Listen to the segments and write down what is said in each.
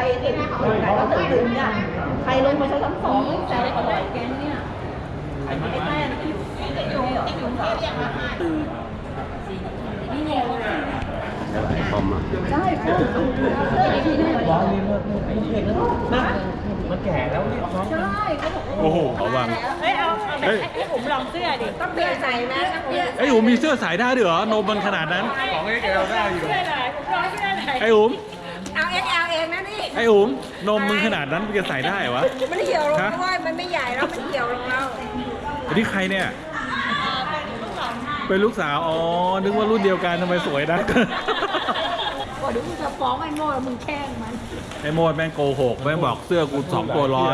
ติดก็ตึงเนี่ยใครลงมาชั้น2แซวอร่อยแกเนี่ยไอ้แม่อยู่นี่ไงคอมอ่ะใช่พ่อร้อนนี่มันแก่แล้วนี่น้องใช่เขาบอกว่าโอ้โหเขาวางให้ผมลองเสื้อดิต้องเสื้อใส่นะไอ้อุ๋มมีเสื้อสายได้ด้วยเหรอนมมันขนาดนั้นของเอ็กเอลได้อยู่เสื้อไหนผมลองเสื้อไหนไอ้อุ๋มเอาเองนะนี่ไอ้อุ๋มนมมึงขนาดนั้นมึงจะใส่ได้วะมันเหี่ยวลงด้วยมันไม่ใหญ่แล้วมันเหี่ยวลงแล้วอันนี้ใครเนี่ยเป็นลูกสาวอ๋อนึกว่ารุ่นเดียวกันทำไมสวยนะว่าเดี๋ยวมึงจะฟ้องไอ้โม่แล้วมึงแช่งมันไอ้โมดแม่งโกหกแม่งบอกเสื้อกู2 ตัว100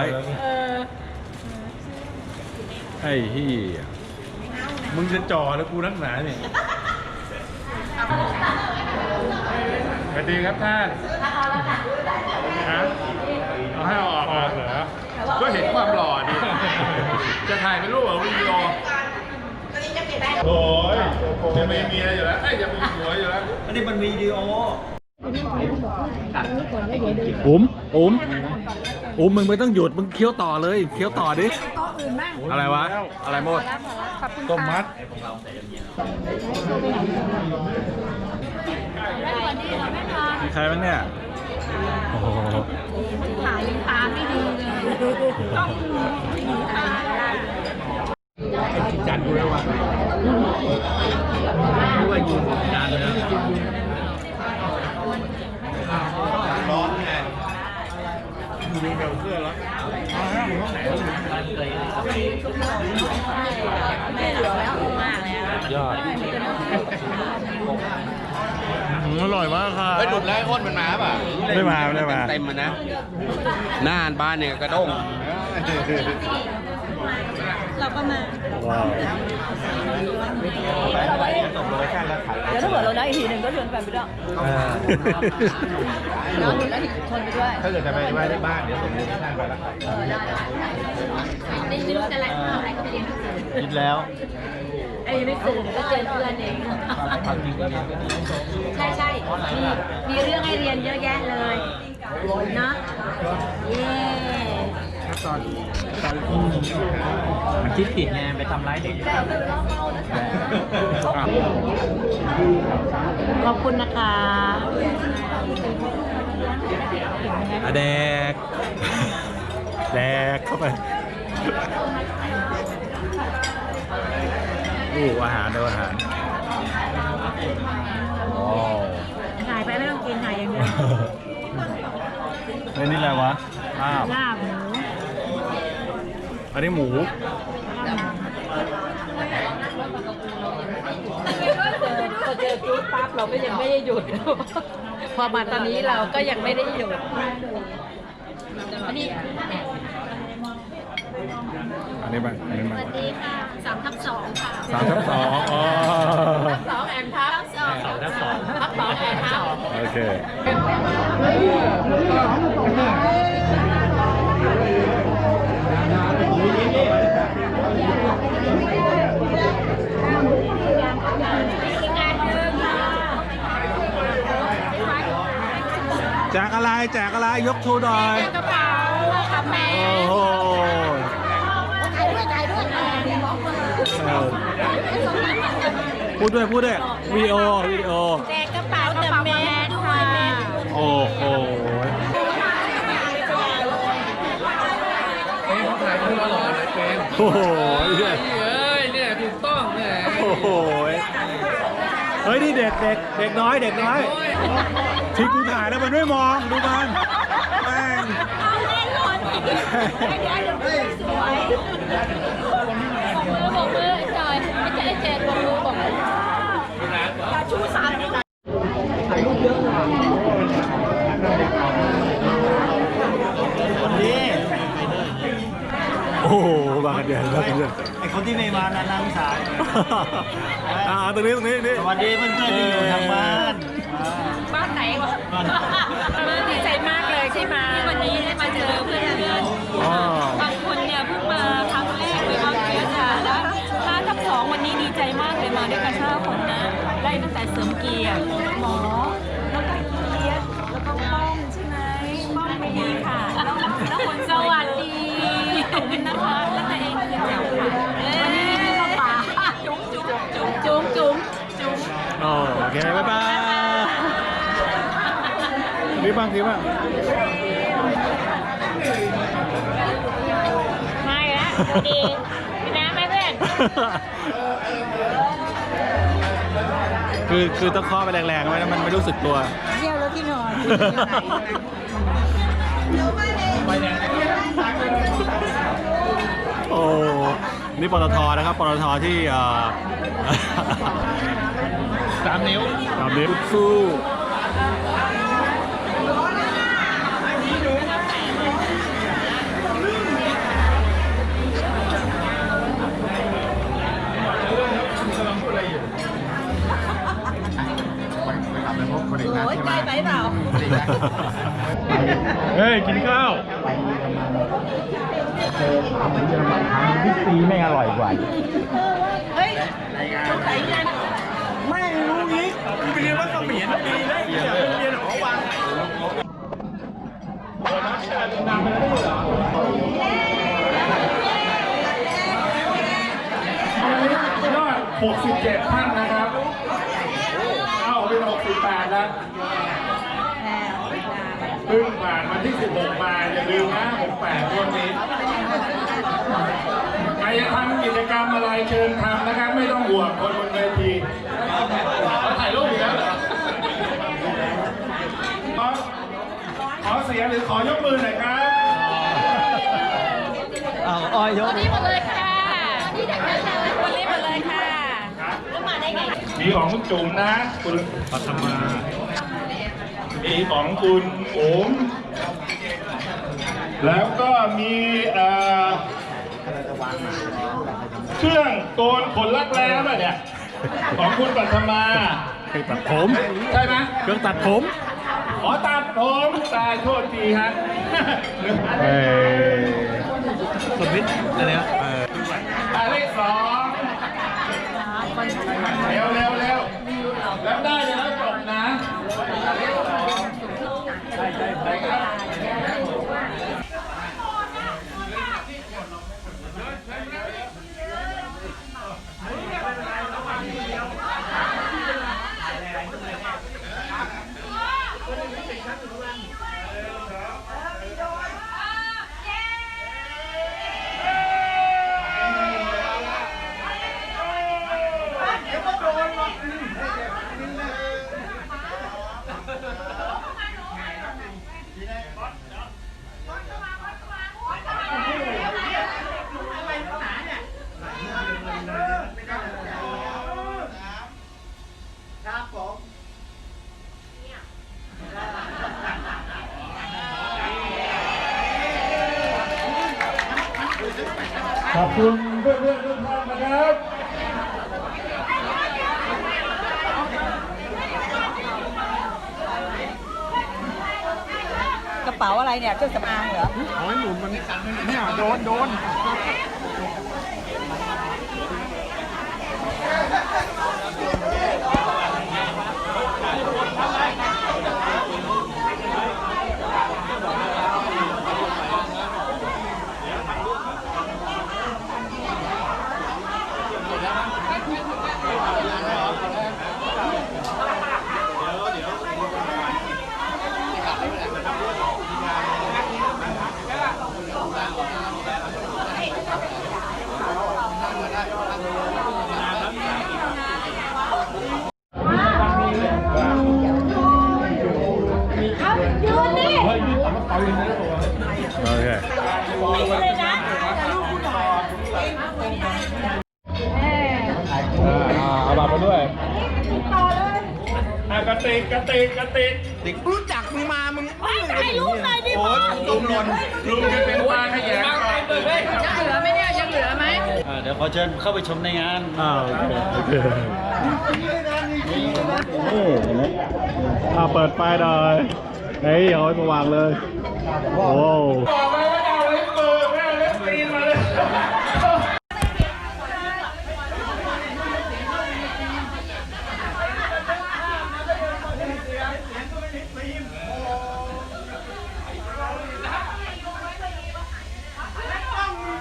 ไอ้เหี้ยมึงจะจ่อแล้วกูนักหนาเนี่ยสวัสดีครับท่านฮะเอาให้ออกเหรอก็เห็นความหล่อดิจะถ่ายเป็นรูปหรือวิดีโอโอ้ยจะมีเมียอยู่แล้วจะมีผัวอยู่แล้วอันนี้มันวิดีโออุ๋มมึงไม่ต้องหยุดมึงเคี้ยวต่อเลยเคี้ยวต่อดิอะไรวะอะไรโมดต้มมัดมีใครบ้างเนี่ยโอ้โหถ่ายตาไม่ดีเลยต้องตาจัดดูแล้วว่าด้วยยืนนานเลยนะร้อนไงดูเสื้อแล้วยอดอร่อยมากค่ะไปดุดแล้วอ้นมันมาป่ะไม่มาเต็มมันนะหน้าบ้านเนี่ยกระด้งเราก็มาว้าวเดี๋ยวถ้าเกิดเราได้อีกทีหนึ่งก็ชวนแฟนไปด้วยน้องอยู่แล้วชวนไปด้วยถ้าเกิดจะไปไหว้ที่บ้านเดี๋ยวผมเลี้ยงท่านไปแล้วไม่รู้จะอะไรอะไรก็ไปเรียนหนังสือคิดแล้วไอ้ไม่สื่อก็เจอเพื่อนเองใช่มีเรื่องให้เรียนเยอะแยะเลยเนาะเย้มันคิดผิดไงไปทำร้ายเด็กขอบคุณนะคะแดกเข้าไปอาหารอาหารโอ้ถ่ายไปไม่ต้องกินถ่ายอย่างเดียวนี่อะไรวะลาบหมูอันนี้หมูพอเจอจุดปั๊บเราก็ยังไม่ได้หยุดพอมาตอนนี้เราก็ยังไม่ได้หยุดอันนี้บ้างสวัสดีค่ะ3/2ค่ะ 3/2อ๋อ 2แอนทับ2แอนทับโอเคแจกอะไรยกชูหน่อยกระเป๋าค่ะแม่โอ้โหพูดด้วยวิดีโอแจกกระเป๋าแต่แม่ด้วยแม่โอ้โหโอ้โหเนี่ยถูกต้องเนี่ยโอ้โหเฮ้ยนี่เด็กน้อยที่กูถ่ายแล้วมันไม่มองดูมันแม่งบอกมือจอยไม่ใช่เจ็ดบอกมืออย่าชูสามถ่ายรูปเยอะนี่โอ้โหบางกันเดียวไอคนที่ไม่มานานๆสายตรงนี้นี่สวัสดีเพื่อนๆที่อยู่ทางบ้านไหนวะดีใจมากเลยใช่ไหมวันนี้ได้มาเจอเพื่อนบางคนเนี่ยเพิ่งมาครั้งแรกเลยบางทีค่ะแล้ว5/2วันนี้ดีใจมากเลยมาด้วยกัน5 คนนะไล่ตั้งแต่เสริมเกียรติหมอแล้วก็เกียรติแล้วก็ป้องใช่ไหมป้องเมอบคุณนะคะแล้วตัวเองคือแจ๋วค่ะวันนี้มีข้าวปลาจุ๊บจุ๊บจุ๊บจุ๊บจุ๊บจุ๊บโอเค บ๊ายบายรีบบ้างรีบบ้างไม่ละดีพี่น้ำไหมเพื่อนคือต้องเคาะไปแรงๆไว้นะมันไม่รู้สึกตัวเที่ยวแล้วที่นอนโอ้ นี่ปตทนะครับ ปตทที่3 นิ้วสู้โอ้ยใกล้ไปเปล่าเฮ้ย กินข้าวพี่ซีไม่อร่อยกว่าเฮ้ยสงสัยกันไม่รู้อีกกูไปเรียนว่าเขมรปีแล้วอย่าไปเรียนหอวังยอด67 ท่านนะครับเอาเป็น68แล้วเพิ่งผ่านวันที่16มาอย่าลืมนะ68วันนี้ใครจะทำกิจกรรมอะไรเชิญทำนะครับไม่ต้องห่วงคนบนเวทีถ่ายรูปอีกแล้วเหรอขอเสียงหรือขอยกมือหน่อยครับอ้อยยกวันนี้หมดเลยค่ะวันนี้หมดเลยค่ะแล้วมาได้ไงมีของคุณจุ๋มนะคุณปัทมามีของคุณโอมแล้วก็มีเครื่องโกนขนรักแร้ป่ะเนี่ยของคุณปัทมาเครื่องตัดผมใช่ไหมเครื่องตัดผมขอตัดผมตายโทษทีฮะสมิธอะไรนะหมายเลข2เร็วแล้วได้เลยแล้วจบนะหมายเลข2ได้ครับขอบคุณเพื่อนๆทุกท่านนะครับกระเป๋าอะไรเนี่ยเครื่องสำอางเหรอโอ้ยหมุนมันเนี่ยโดน โอเคเอาบัตรมาด้วยกระติกรู้จักมึงมา มึงถ่ายรูปหน่อยดิโอ้ยลุงหล่นลุงจะเป็นปลาขยงก่อนยังเหลือไหมเนี่ยยังเหลือไหมเดี๋ยวขอเชิญเข้าไปชมในงานโอเคนี่เห็นไหมเปิดไฟหน่อยเฮ้ยเอาไว้มาวางเลย โอ้บอกไปว่าเอาเล็บมือไม่เอาเล็บตีนมาเลยม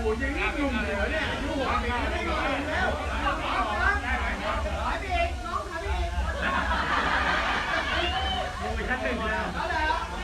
ชั้นหนึ่ง